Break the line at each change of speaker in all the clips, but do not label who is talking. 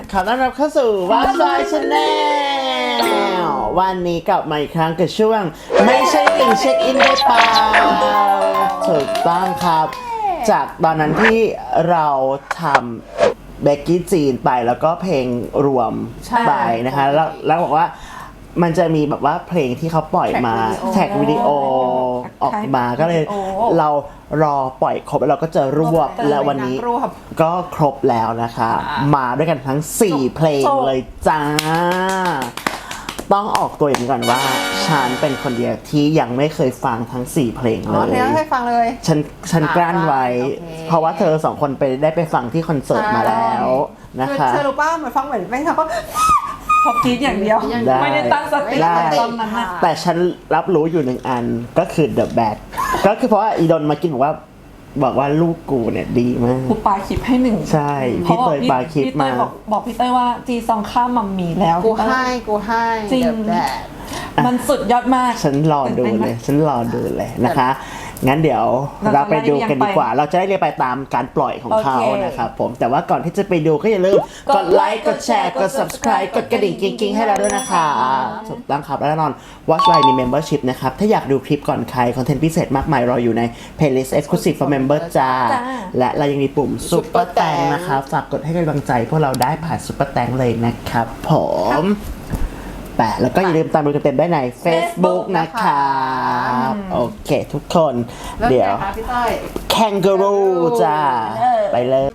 ขอต้อนรับเข้าสู่วัดซอยชาแนลวันนี้กลับมาอีกครั้งกับช่วงไม่ใช่ติ่งเช็คอินได้เปล่าถูกต้องครับจากตอนนั้นที่เราทำเบกกี้จีนไปแล้วก็เพลงรวมไปนะคะแล้วบอกว่ามันจะมีแบบว่าเพลงที่เขาปล่อยมาแท็กวิดีโอออกมาก็เลยเรารอปล่อยครบแล้วเราก็จะรวบแล้ววันนี้ก็ครบแล้วนะคะมาด้วยกันทั้ง4เพลงเลยจ้าต้องออกตัวอย่างนี้ก่อนว่าฉันเป็นคนเดียวที่ยังไม่เคยฟังทั้ง4เพลงเลย
ไม่เคยฟังเลย
ฉันกลั้นไว้เพราะว่าเธอ2คนได้ไปฟังที่คอนเสิร์ตมาแล้วนะคะ
เธอรู้ป่ะเหมือนฟังเหมือนไม่ทำก็
พอคิดอย่างเดียวไม่ได้ตั้งสติตอนนั้น
แต่ฉันรับรู้อยู่1อันก็คือ The Bad ก็คือเพราะว่าอีดนมากินบอกว่าลูกกูเนี่ยดีมาก
กูปาคลิปให้1
ใช่พี่เตยปาคลิปมา
บอกพี่เตยว่าจีซองข้ามมัมมี่แล้ว
กูให้
จริงมันสุดยอดมาก
ฉันรอดูเลยนะคะงั้นเดี๋ยวเราไปดูกันดีกว่าเราจะได้เรียนไปตามการปล่อยของเขานะครับผมแต่ว่าก่อนที่จะไปดูก็อย่าลืมกดไลค์กดแชร์กด subscribe กดกระดิ่งกิ๊งๆให้เราด้วยนะคะถูกต้องครับและแน่นอน Watch Line มี membership นะครับถ้าอยากดูคลิปก่อนใครคอนเทนต์พิเศษมากมายรออยู่ใน playlist exclusive for member จ้าและเรายังมีปุ่ม Super Thank นะครับฝากกดให้กำลังใจพวกเราได้ผ่าน Super Thank เลยนะครับผมแล้วก็อย่าลืมตามดูเต็มๆได้ใน Facebook นะครับโอเคทุกคนเดี๋ยว Kangaroo จ้าไปเลย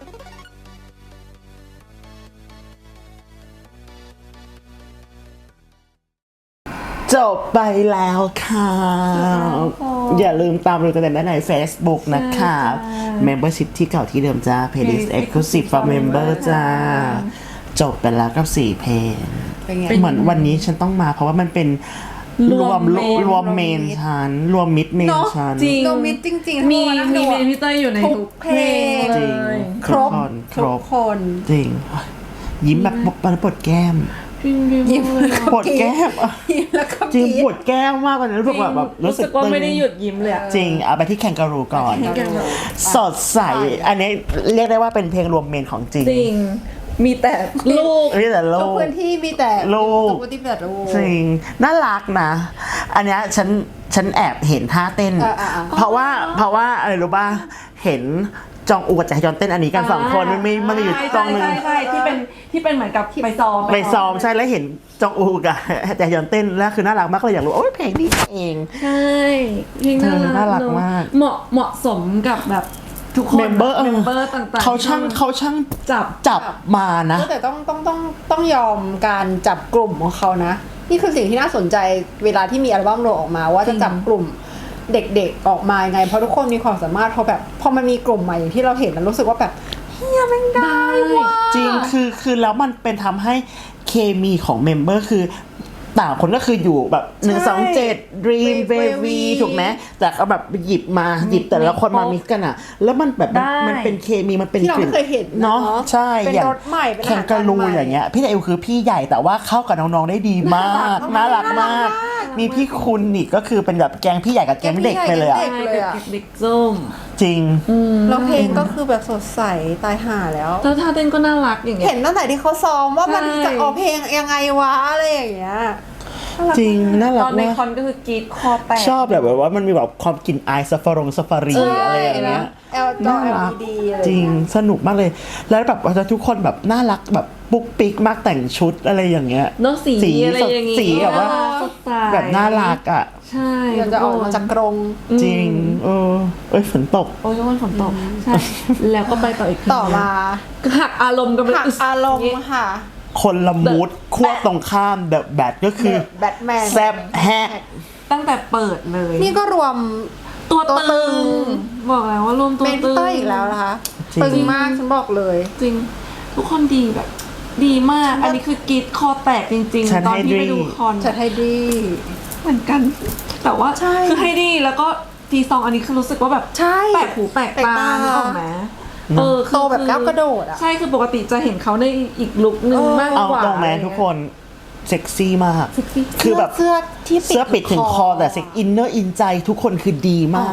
จบไปแล้วค่ะอย่าลืมตามดูเต็มๆได้ใน Facebook นะครับ Membership ที่เก่าที่เดิมจ้า Playlist Exclusive for Member จ้าจบไปแล้วกับ4เพลงเหมือนวันนี้ฉันต้องมาเพราะว่ามันเป็นรวมเมนฉันรวมมิดเมนฉัน
รวมมิดจริง
ๆมีเมนพี่เต้ยอยู่ในทุกเพลง
จริง
ครบคน
จริงยิ้มแบบปวดแก้มปวดแก้มจริงปวดแก้มมากกว่านั้นรู้สึก
ว่าไม่ได้หยุดยิ้มเลย
จริงเอาไปที่แคนการูก่อนสดใสอันนี้เรียกได้ว่าเป็นเพลงรวมเมนของจริง
มีแต่ลูก
ทุกพื้นที่มีแต่
ลูกจริงน่ารักนะอันเนี้ยฉันแอบเห็นท่าเต้นเพราะว่าอะไรรู้ป่ะเห็นจองอูกับแจฮยอนเต้นอันนี้กัน2คนมันมีอยู่ตรงนึง
ใช่ที่เป็นเหมือนกับไปซ้อม
ใช่แล้วเห็นจองอูกับแจฮยอนเต้นแล้วคือน่ารักมากเลยอยากรู้โอ้ยเพลงนี้เอง
ใช่เพลง
น่ารักมาก
เหมาะสมกับแบบทุกคนเมมเบอร์ต่างๆ
เขาช่างจับมานะ
แต่ต้องยอมการจับกลุ่มของเขานะนี่คือสิ่งที่น่าสนใจเวลาที่มีอัลบั้มโรออกมาว่าจะจับกลุ่มเด็กๆออกมาไงเพราะทุกคนมีความสามารถพอมันมีกลุ่มใหม่อย่างที่เราเห็นแล้วรู้สึกว่าแบบเฮียแม่งได้ว่ะ
จริงคือแล้วมันเป็นทำให้เคมีของเมมเบอร์คือต่างคนก็คืออยู่แบบ127 Dream Baby ถูกไหมแต่ก็แบบหยิบแต่ละคนมามิกกันอ่ะแล้วมันแบบมันเป็นเคมีมันเป็น
กลิ่น
เนาะใช่
อย่าง
แข่งกันรูอย่างเงี้ยพี่ไอวคือพี่ใหญ่แต่ว่าเข้ากับน้องๆได้ดีมากน่ารักมากมีพี่คุณนี่ก็คือเป็นแบบแกงพี่ใหญ่กับแกงเด็กไปเลยอ่ะ
เด็กส้ม
จริง
แล้วเพลงก็คือแบบสดใสตายห่าแล้ว
ท่าเต้นก็น่ารักอย่างเงี้ย
เห็นตั้งแต่ที่เขาซ้อมว่ามันจะออกเพลงยังไงวะอะไรอย่างเงี้ย
จริงน่ารักมากตอน
ในคอนก็คือกรีดคอแตก
ชอบแบบว่ามันมีแบบความกลิ่นอายซาฟารีอะไรอย่างเงี้ย
น่ารัก
จริงสนุกมากเลยแล้วแบบทุกคนแบบน่ารักแบบปุ๊กปิ๊กมากแต่งชุดอะไรอย่างเงี้ย
เนาะสีอะไรอย่างเงี้ย
สีแบบว่าแบบน่ารักอ่ะ
ใช่
จะออกมาจากกรง
จริงฝนตก
ทุกคนฝนตกใช่แล้วก็ไปต่อ
มา
หักอารมณ์กัน
หักอารมณ์ค่ะ
คนละมูดขั้วตรงข้ามเดอะแบทก็คือ
แบทแมน
แซบแฮก
ตั้งแต่เปิดเลย
นี่ก็รวม
ตัวตึงบอกแล้วว่ารวมตัวตึง
อีกแล้วนะคะตึงมากฉันบอกเลย
จริงทุกคนดีแบบดีมากอันนี้คือกรีดคอแตกจริงๆตอนที่ไปดูคอน
ฉันให้ดี
เหมือนกันแต่ว่าคือให้ดีแล้วก็ทีซองอันนี้คือรู้สึกว่าแบบแปลกหูแปลกตาออกไหม
โตแบบก้าวกระโดดอ่ะ
ใช่คือปกติจะเห็นเขาในอีกลุคนึงมากกว่า
ตรงแมนทุกคนเซ็กซี่มาก
คือแบบ
เสื้อปิดถึงคอแต่เซ็กอินเนอร์อินใจทุกคนคือดีมาก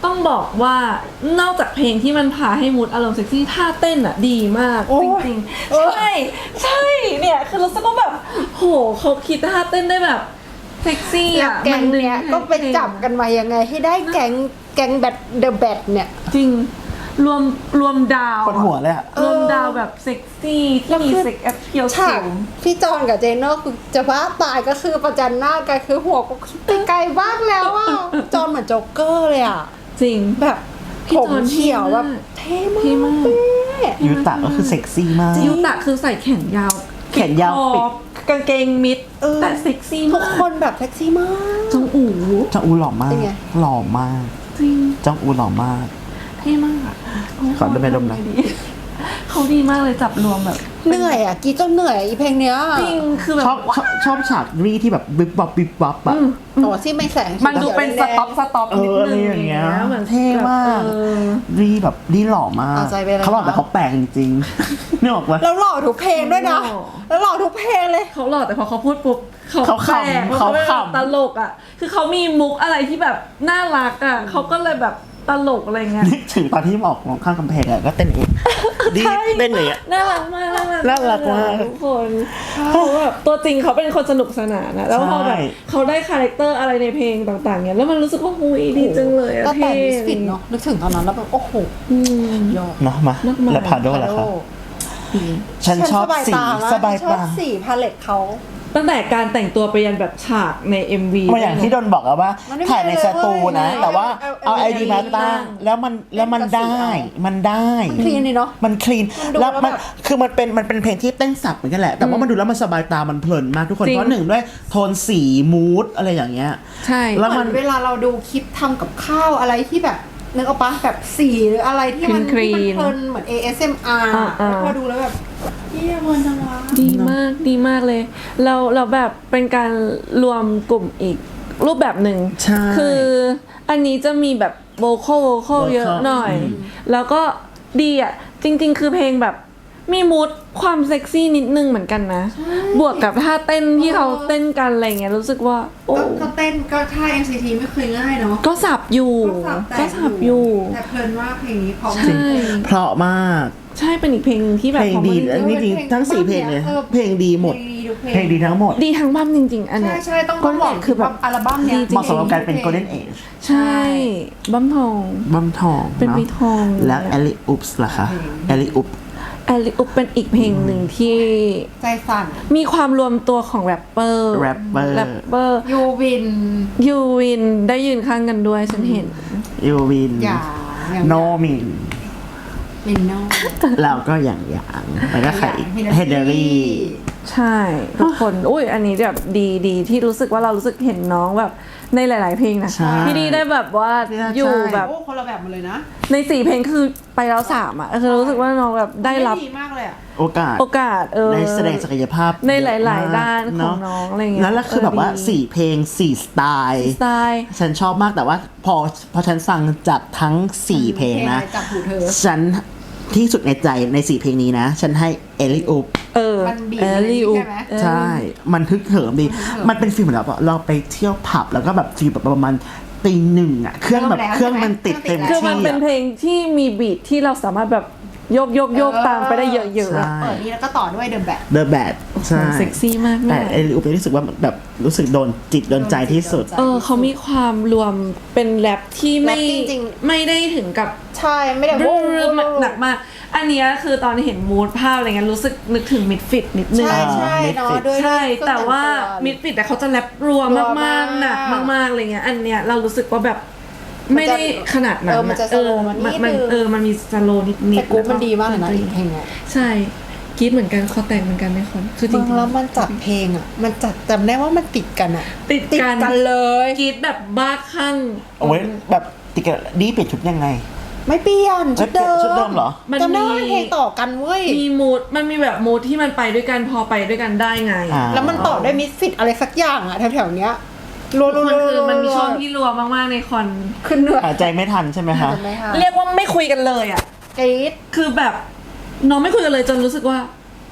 ต้องบอกว่านอกจากเพลงที่มันพาให้มูดอารมณ์เซ็กซี่ท่าเต้นอ่ะดีมาก
โอ้
จ
ย
ริงๆใช่ใช่เนี่ยคือรู้สึกว่าแบบโหเขาคิดท่าเต้นได้แบบเซ็กซี่
แล้ว
อ่ะ
แก๊งเนี้ยก็ไปจับกันมายังไงให้ได้แก๊งแบทเดอะแบทเนี่ย
จริงรวมดาว
คนหัวเลยอะ
รวมดาวแบบเซ็กซี่ที่มีเซ็กแอปเพียว
ฉาก
สูง
พี่จอนกับเจโน่คือจะบ้าตายก็คือประจันหน้ากันคือหัวก็ไปไกลบ้างแล้วอ่ะจอนเหมือนโจ๊กเกอร์เลยอ่ะ
จริง
แบบ
พี่
ผม
จอน
เขียว
เท่
แบ
มาก
บเท่
เท่มาก
มาก
ยูตะก็คือเซ็กซี่มาก
ยูตะคือใส่แขนยาว
แขนยาว
ปิดคอ
ปิด
กางเกงมิดแต่เซ็กซี่
ทุ
มาก ก
คนแบบเซ็กซี่มาก
จงอู๋
จองอูหล่อมาก
เป็นไง
หล่อมาก
จริง
จองอูหล่อมาก
เท่มาก
ขอดมไปดมหน่อย
เขาดีมากเลยจับรวมแบบ
เหนื่อยอ่ะกรีดจนเหนื่อยอีเพลงเนี้ย
จริงคือแบบ
ชอบฉากรีที่แบบวิบวับวิบวับอะ
โอ้ที่ไม่แสง
มันดูเป็นสต็อปนิด
อะไร
นึง
อย่างเงี้ย
เหมือน
เท่มาก
เออ
รีแบบรีหล่อมาก
เอาใจไปเลย
เขาหล่อแต่เขาแปลกจริงๆ นึกออกปะ
แล้วหล่อทุกเพลงด้วยนะ
หล่อ
แล้วหล่อทุกเพลงเลย
เขาหล่อแต่พอเขาพูดปุ๊บ
เขาขำ
แปลก
เขา
เป็น
ขำ
แบบตลกอ่ะ คือเขามีมุกอะไรที่แบบน่ารักอ่ะเขาก็เลยแบบตลกอะไรเงี้ย
นึกถึงตอนที่ออกมองข้างกำแพงอะก็เต้นเองดี
ใช่
เต้นเลยอะ
น่ารักมาก
น่ารักมาก
ทุกคนเขาแบบตัวจริงเขาเป็นคนสนุกสนานนะแล้วพอแบบ
ใช่
เขาได้คาแรคเตอร์อะไรในเพลงต่างๆเนี่ยแล้วมันรู้สึกว่าหุยดีจังเลยอะ
ก็แต่
เท่
มิสฟิตเนาะนึกถึงตอนนั้นแล้วแบบโอ้โห
อืม
ยอด
เนาะมา
นักมา
แล้วพาโดล่ะครับฉันชอบสีสบาย
ชอบ
ตา
สีพาเลตเขา
ตั้งแต่การแต่งตัวไปยันแบบฉากใน MV
มันอย่างที่โดนบอกอะว่า
มันไม่มี
ถ่ายในสตูนะ
เลย
แต่ว่าเอา
เอา
ไอดีมาตั้งแล้วมันได้ มันได้
คลีนเลยเนาะ
มันคลีน
มันดู
แล้ว
แล้ว
มัน
แบบ
คือมันเป็นเพลงที่เต้นสับเหมือนกันแหละ แต่ว่ามันดูแล้วมันสบายตามันเพลินมากทุกคน
จริง
เพราะหนึ่งด้วยโทนสีมูดอะไรอย่างเงี้ย
ใช่
แล้ว
เหมื
มั
อน นเวลาเราดูคลิปทำกับข้าวอะไรที่แบบนึกออกปะแบบสีหรืออะไรที่มัน
คลีนๆ
เพลินเหมือน ASMR
อ่าๆ
แล้วพอดูแล้วแบบเยี่ยมจังวะ
ดีมากเลยเราแบบเป็นการรวมกลุ่มอีกรูปแบบหนึ่ง
ใช่
คืออันนี้จะมีแบบโวคอลเยอะหน่อย แล้วก็ดีอ่ะ จริง ๆ คือเพลงแบบมีมูดความเซ็กซี่นิดนึงเหมือนกันนะ บวกกับท่าเต้นที่เขาเต้นกันอะไรเงี้ยรู้สึกว่าโอ้
ก็เต้นก็ท่า NCT ไม่เคยง่ายเนาะ
ก็สับอยู่ก็สับอยู่
แต่เพลินมากเพลงนี้เพราะ
ใช่
เพราะมาก
ใช่เป็นอีกเพลงหนึ่งที่แบบ
เพลงดี
พอ
และ
มัน
นี่จริงทั้ง4เพลงเลยเพลงดีหมด เพลงดีทั้งหมด
ดีทั้งบั้มจริง ๆ อันเนี้ย
ใช่ต้อง
ก็
บอก
คือแบบ
อัลบั้มเนี้ย
ดีจริง
เหมาะสมกับการเป็น Golden Age
ใช่บั้มทอง
บัมทอง
เป็น
อะ
ปีทอง
แล้วแอลลี่อุปส์ล่ะคะแอลลี่อุป
แอลิอุปเป็นอีกเพลงหนึ่งที่
ใจสั่น
มีความรวมตัวของแรปเปอร์
แรปเปอร์
ยูวิน
ยูวินได้ยืนข้างกันด้วยฉันเห็น
ยูวิน
อย่าง
โนมิน
มินโน
แล้วก็อย่างแล้วก็ใครอีกเฮเดอรี่
ใช่ทุกคน อุ้ยอันนี้แบบดีที่รู้สึกว่าเรารู้สึกเห็นน้องแบบในหลาย ๆ เพลงนะ
ใช่
ที่ดีได้แบบว่า
ใช่
อยู่แบบ
โอ้คนละแบบหมาเลยนะ
ใน4เพลงคือไปแล้ว3อ่ะคือรู้สึกว่าน้องแบบได้รับ
ดีมากเลยอ่ะ
โอกาส
โอกาส
ในแสดงศักยภาพ
ในห
เยอะ
ลาย
มก
ๆ ด้านของ
เะ
น้องอะไรเงี้ย
แล้วคือแบบว่า
ดี
4 เพลง 4 สไตล์
สไตล์
ฉันชอบมากแต่ว่าพอฉันฟังจากทั้ง 4 เพลงนะ
เพลงอะไรจับหูเธอ
ฉันที่สุดในใจใน 4 เพลงนี้นะ ฉันให้เอลิอุป
มันบีบ
เอลิอุ
ใช่ไหม
ใช่ มันทึกเหิมดี มันเป็นฟิลเหมือนแบบเราไปเที่ยวผับแล้วก็แบบฟีลแบบประมาณตี 1อ่ะ เครื่องแบบเครื่องมันติดเต็ม
คือ
ที่
มันเป็น
อะ
เพลงที่มีบีทที่เราสามารถแบบโยกตามไปได้เยอะๆ
ใช่
อะ
เปิดนี้แล้วก็ต่อด้วยเดอะแบท
The Bad ใช่
เซ็กซี่มาก
แต่
แม่
เอลิอุปรู้สึกว่าแบบรู้สึกโดนจิตโดนใจที่สุด
เขามีความรวมเป็นแรปที่ไม่
แรปจริง
ไม่ได้ถึงกับ
ใช่ไม่ได้
หนักมาก อันเนี้ยคือตอนเห็นมูดภาพอะไรเงี้ยรู้สึกนึกถึงมิดฟิตนิดนึง
ใช่ใช่เนาะด้วย
ใช่
เครื่อง
แต่ว่า
แต่งตัว
มิดฟิตแต่เขาจะแรปรัว
รัว
มากๆหนักมากๆอะไรเงี้ยอันเนี้ยเรารู้สึกว่าแบบ
มันจะ
ไม่ได้ขนาดนั้น
มันจะ slow มันนิดนึง
มันมีสโลนิดๆ
แต่กู๊ปมัน
แล้ว
ดีมากเลยนะอีกเพลงอ่ะ
ใช่กรีดเหมือนกันคอแต่งเหมือนกันในคอนคือจ
ฟั
ริ
ง
งๆ
แล้วมันจัดเพลงอ่ะ มันจัดจำได้ว่ามันติดกันอ่ะ
ติดกัน
เลย
กรีดแบบบ้าคลั่ง
โอ้ยแบบติดกันดีเปลี่ยนชุดยังไง
ไม่เปลี่ยนชุดเดิม
ชุดเดิมเหรอ
มัน
จำได้
มี
ว่าเพลงต่อกันเว้ย
มีมูดมันมีแบบมูดที่มันไปด้วยกันพอไปด้วยกันได้ไง
อ่า
แล้วมันต่อด้วยมิสฟิตอะไรสักอย่างอ่ะแถวๆเนี้ยรัว
มันคือ
ๆๆๆ
มันมีช่วงที่รัวมากๆในคอน
ขึ้นเหนื่อย
หายใจไม่ทันใช่ไหมคะ
จำได้ค่ะ
เรียกว่าไม่คุยกันเลยอ่ะ
กรี๊ด
คือแบบน้องไม่คุยกันเลยจนรู้สึกว่า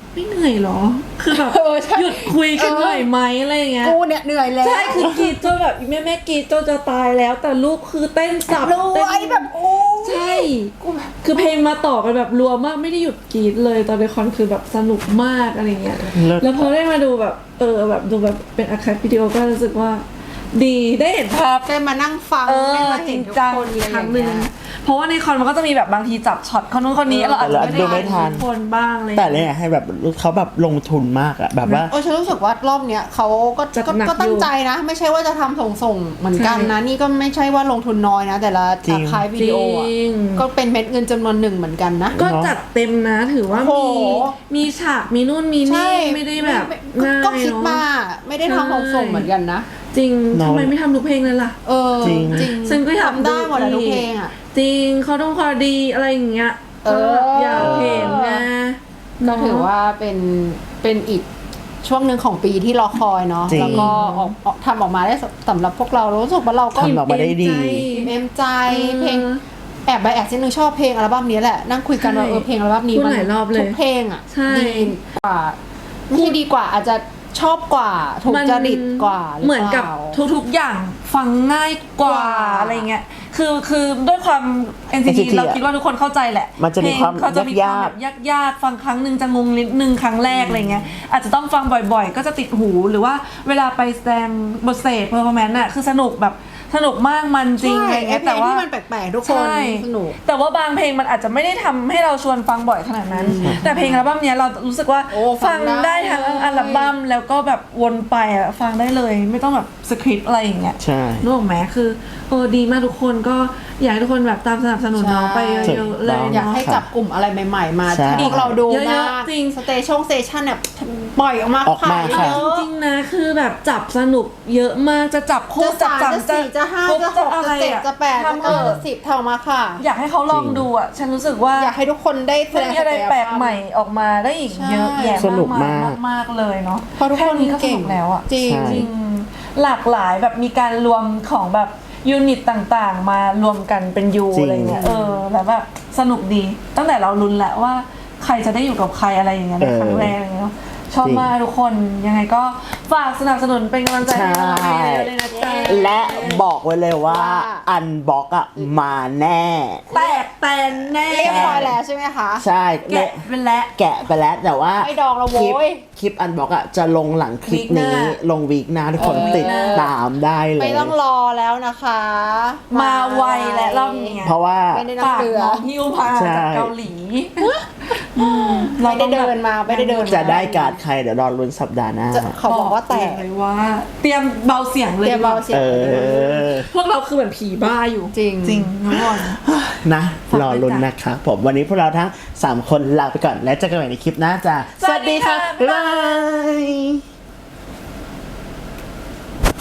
ไม่เหนื่อยเหรอ คือแบบ
ใช่
หยุดคุยกันหน่อยไหมอะไรอย่างเงี้ย
กูเนี่ยเหนื่อยแล้ว
ใช่คือกรีดจนแบบแม่กรีดจนจะตายแล้ว แต่ลูกคือเต้นสับ
รู้
เต้น
ไอ้แบบโอ้
ใช่ คือเพลงมาต่อกันแบบรัวมากไม่ได้หยุดกรีดเลยตอนในคอนคือแบบสนุกมากอะไรเงี้ย
เลิศ
แล้วพอได้มาดูแบบแบบดูแบบเป็นอาร์คายวิดีโอก็รู้สึกว่าดีได้เห็นภาพ
ได้มานั่งฟังได้มา
จ
เห็
ริ
น
ง
ทุก
จัง
คน
อีกครั้งห
เล
นึ่
ย
งเพราะว่าในคอนมันก็จะมีแบบบางทีจับช็อตคนนู้นคนนี้เราอาจจะไม่
ดู
ได้
ไม่ทัน
ทุกคนบ้างเลย
แต่เนี่ยให้แบบเขาแบบลงทุนมากอะแบบว่า
ฉันรู้สึกว่ารอบเนี้ยเขาก็
จัดหนัก
ก็ตั้
องยู่
ใจนะ ไม่ใช่ว่าจะทำส่งเหมือนกันนะ นี่ก็ไม่ใช่ว่าลงทุนน้อยนะ แต่ละ
จริง
คายวิดีโออ่ะ
จริง
ก็เป็นเม็ดเงินจำนวนหนึ่งเหมือนกันนะ
ก็จัดเต็มนะถือว่า
โอ้
มี
โห
มีฉากมีนู่นมีนี่ไม่ได้แบบ
ก็
ง่าย
ก็คิด
เนอะ
มาไม่ได้ทำส่งเหมือนกันนะ
จริง
น้อง
ทำไมไม่ทำทุกเพลงเลยล่ะ
จริง
ฉันก็อยาก
ทำได้หมดอะทุกเพลงอ่ะ
จริงเขาต้องคอดีอะไรอย่างเงี้ย
เออ
อยากเห็นนะ
ก็ถือว่าเป็นอีกช่วงหนึ่งของปีที่รอคอยเนาะ
จริง
แล้วก็ทำออกมาได้สำหรับพวกเรารู้สึกว่าเราก็
ทำออกมาได้ดี
อิ่มเอมใจเพลงแอบไปแอบนิดนึงชอบเพลงอัลบั้มนี้แหละนั่งคุยกันว่า
ใช่
เพลงอัลบั้มนี้
พูดหลายรอบเลย
ทุกเพลงอ่ะ
ใช่
ดีกว่าไม่ใช่ดีกว่าอาจจะชอบกว่าถูกจริตกว่ารื
เหมือนกับ
ปล่า
ทุกๆอย่างฟังง่ายกว่า
กว่า
อะไรเงี้ยคือด้วยความ NCT
NCT
เราคิดว่าทุกคนเข้าใจแหละ
มันจะมีความ
เพลงเขาจะมีความ
ยาก
แบบยากๆฟังครั้งหนึ่งจะงงนิดนึงครั้งแรกอะไรเงี้ยอาจจะต้องฟังบ่อยๆ ก็จะติดหูหรือว่าเวลาไปแสดงบทเสกเพอร์ฟอร์แมนซ์น่ะคือสนุกแบบสนุกมากมันจริง
ใช่
อะไร
ไอ้
เงี้ย
เพล
แต่
ง
ว่า
ที่มันแปลกๆทุกคน
ใช่
สนุก
แต่ว่าบางเพลงมันอาจจะไม่ได้ทำให้เราชวนฟังบ่อยขนาดนั้น แต่เพลงอัลบั้มเนี้ยเรารู้สึกว่า
โอ้ฟั
ฟั
ง
ง
ได้
ได้ทั้งอัลบั้มแล้วก็แบบวนไปอ่ะฟังได้เลยไม่ต้องแบบสคริปต์อะไรอย่างเงี้ย
ใช่
นึกออกไหมคือดีมากทุกคนก็อยากให้ทุกคนแบบตามสนับสนุนน้องไปเยอะๆเลย
อยากให้
เนาะ
จับกลุ่มอะไรใหม่ๆมา
ใช่
ที่พวกเราดู
เยอะๆ
มาก
จริง
สเตชันเนี่ยปล่อยออกมา
ออกมา
ขาย
ค่ะ
เย
จ
อะ
ริงๆนะคือแบบจับสนุกเยอะมากจะจับคู่
จะ
จับ
สาม
จับ
จะสี่จะห้า
ปุ๊บ
จะหก
อะไร
จะเจ็ด
อะ
จะแปดจะ
ทำ
เก้าจะ10เท่ามาค่ะ
อยากให้เขาลองดูอ่ะฉันรู้สึกว่า
อยากให้ทุกคนได้แส
มัน
ดง
มีอะไรแปลกใหม่ออกมาได้อีกเยอะแยะ
สนุก
มาก
มาก
มากเลยเนาะ
เพราะทุกคน
แนี้ก็ส
เก่ง
นุกแล้วอ่ะ
จริง
ใช่
จริงหลากหลายแบบมีการรวมของแบบยูนิตต่างๆ มารวมกันเป็นยู
จริง
อะไรเงี้ยแล้วแบบสนุกดี ตั้งแต่เราลุ้นแหละว่าใครจะได้อยู่กับใครอะไรอย่างเงี้ยในครั้งแรกอะไรเงี้ยชอบมากทุกคนยังไงก็ฝากสนับสนุนเป็นกำลังใจให้เราเยอะๆเลยนะจ๊ะ
และบอกไว้เลยว่า
ว่า
อันบ็อกอะมาแน่
แตกแตนแน่
เรียบร้อยแล้วใช่ไหมคะ
ใช่
แกะไปแล้ว
แกะไปแล้วแต่ว่า
ไม่ดองแล้วโว้ย
คลิปอันบ็อกอะจะลงหลังคลิปนี้
วีคหน้า
ลงวีคหน้าทุกคน
วีค
ติด
หน้า
ตามได้เลย
ไม่ต้องรอแล้วนะคะ
มาไวและรอบนี้
เพราะว่า
ไม่ได้นั่ง
ฝาก
เรือ
น้องฮิวพา
ใช่
จากเกาหลี
ไม่ได้เดินมาไม่ได้เดิน
จะได้การ์ดใครเดี๋ยวรอลุ้นสัปดาห์หน้า
จะเขาบอกว่าแตก
เลยว่า เตรียมเบาเสียงเลย
เตรียมเบาเสียง
เออ
พวกเราคือเหมือนผีบ้าอยู่
จริง
จริงทุกคน
นะ รอลุ้นนะครับผมวันนี้พวกเราทั้ง 3 คนลาไปก่อน และเจอกันใหม่ในคลิปหน้าจ้า
สวัสดีค่ะ
บ๊ายบาย